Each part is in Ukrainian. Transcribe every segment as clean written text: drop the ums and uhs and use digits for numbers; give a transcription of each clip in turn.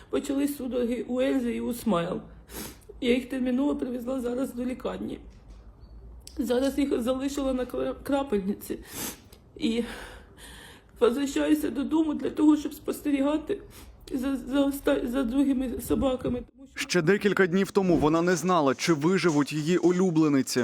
почались судороги у Ельзи і у Смайл. Я їх терміново привезла зараз до лікарні. Зараз їх залишила на крапельниці. І возвращаюся додому для того, щоб спостерігати за другими собаками. Ще декілька днів тому вона не знала, чи виживуть її улюблениці.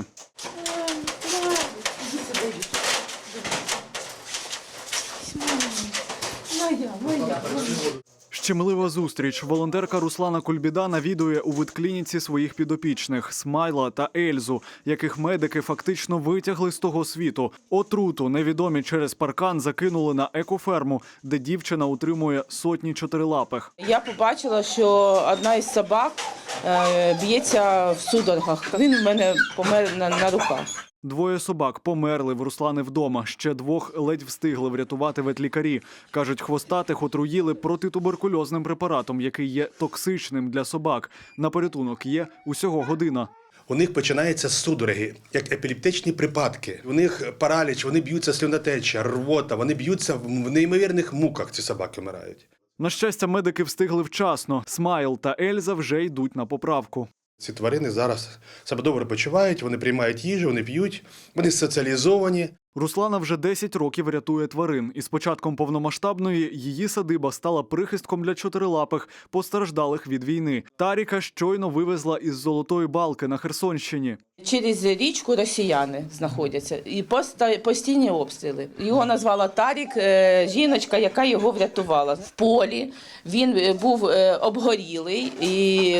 Моя. Щемлива зустріч. Волонтерка Руслана Кульбіда навідує у ветклініці своїх підопічних – Смайла та Ельзу, яких медики фактично витягли з того світу. Отруту невідомі через паркан закинули на екоферму, де дівчина утримує сотні чотирилапих. Я побачила, що одна із собак б'ється в судорогах. Він у мене помер на руках. Двоє собак померли в Руслани вдома. Ще двох ледь встигли врятувати ветлікарі. Кажуть, хвостатих отруїли протитуберкульозним препаратом, який є токсичним для собак. На порятунок є усього година. У них починаються судороги, як епілептичні припадки. У них параліч, вони б'ються сльонотеча, рвота, вони б'ються в неймовірних муках, ці собаки вмирають. На щастя, медики встигли вчасно. Смайл та Ельза вже йдуть на поправку. Ці тварини зараз себе добре почувають, вони приймають їжу, вони п'ють, вони соціалізовані. Руслана вже 10 років рятує тварин. І з початком повномасштабної її садиба стала прихистком для чотирилапих, постраждалих від війни. Таріка щойно вивезла із Золотої Балки на Херсонщині. Через річку росіяни знаходяться і постійні обстріли. Його назвала Тарік, жіночка, яка його врятувала. В полі він був обгорілий, і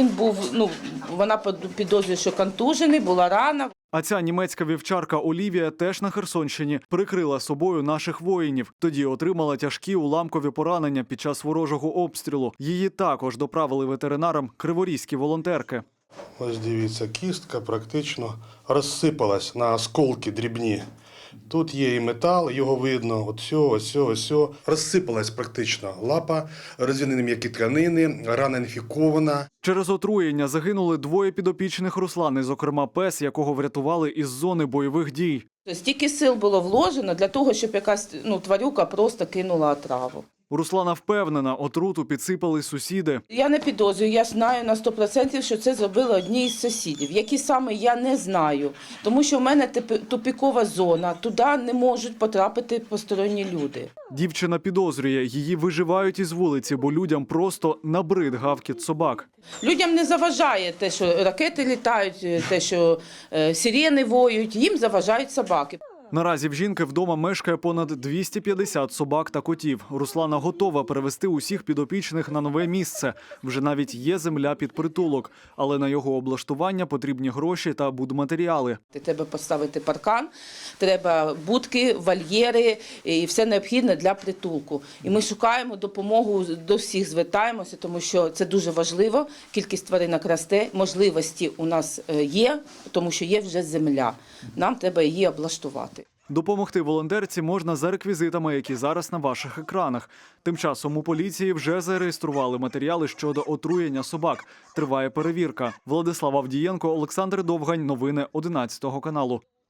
вона підозрює, що контужений, була рана. А ця німецька вівчарка Олівія теж на Херсонщині прикрила собою наших воїнів. Тоді отримала тяжкі уламкові поранення під час ворожого обстрілу. Її також доправили ветеринарам криворізькі волонтерки. Ось дивіться, кістка практично розсипалась на осколки дрібні. Тут є і метал, його видно, ось. Розсипалась практично лапа, розвинені м'які тканини, рана інфікована. Через отруєння загинули двоє підопічних Руслани, зокрема пес, якого врятували із зони бойових дій. Стільки сил було вложено для того, щоб якась тварюка просто кинула отраву. Руслана впевнена, отруту підсипали сусіди. Я не підозрюю, я знаю на 100%, що це зробили одні із сусідів. Які саме, я не знаю. Тому що в мене тупікова зона, туди не можуть потрапити посторонні люди. Дівчина підозрює, її виживають із вулиці, бо людям просто набрид гавкіт собак. Людям не заважає те, що ракети літають, те, що сирени воють, їм заважають собаки. Наразі в жінки вдома мешкає понад 250 собак та котів. Руслана готова перевести усіх підопічних на нове місце. Вже навіть є земля під притулок. Але на його облаштування потрібні гроші та будматеріали. Треба поставити паркан, треба будки, вольєри і все необхідне для притулку. І ми шукаємо допомогу, до всіх звертаємося, тому що це дуже важливо. Кількість тваринок росте, можливості у нас є, тому що є вже земля. Нам треба її облаштувати. Допомогти волонтерці можна за реквізитами, які зараз на ваших екранах. Тим часом у поліції вже зареєстрували матеріали щодо отруєння собак. Триває перевірка. Владислав Авдієнко, Олександр Довгань. Новини 11 каналу.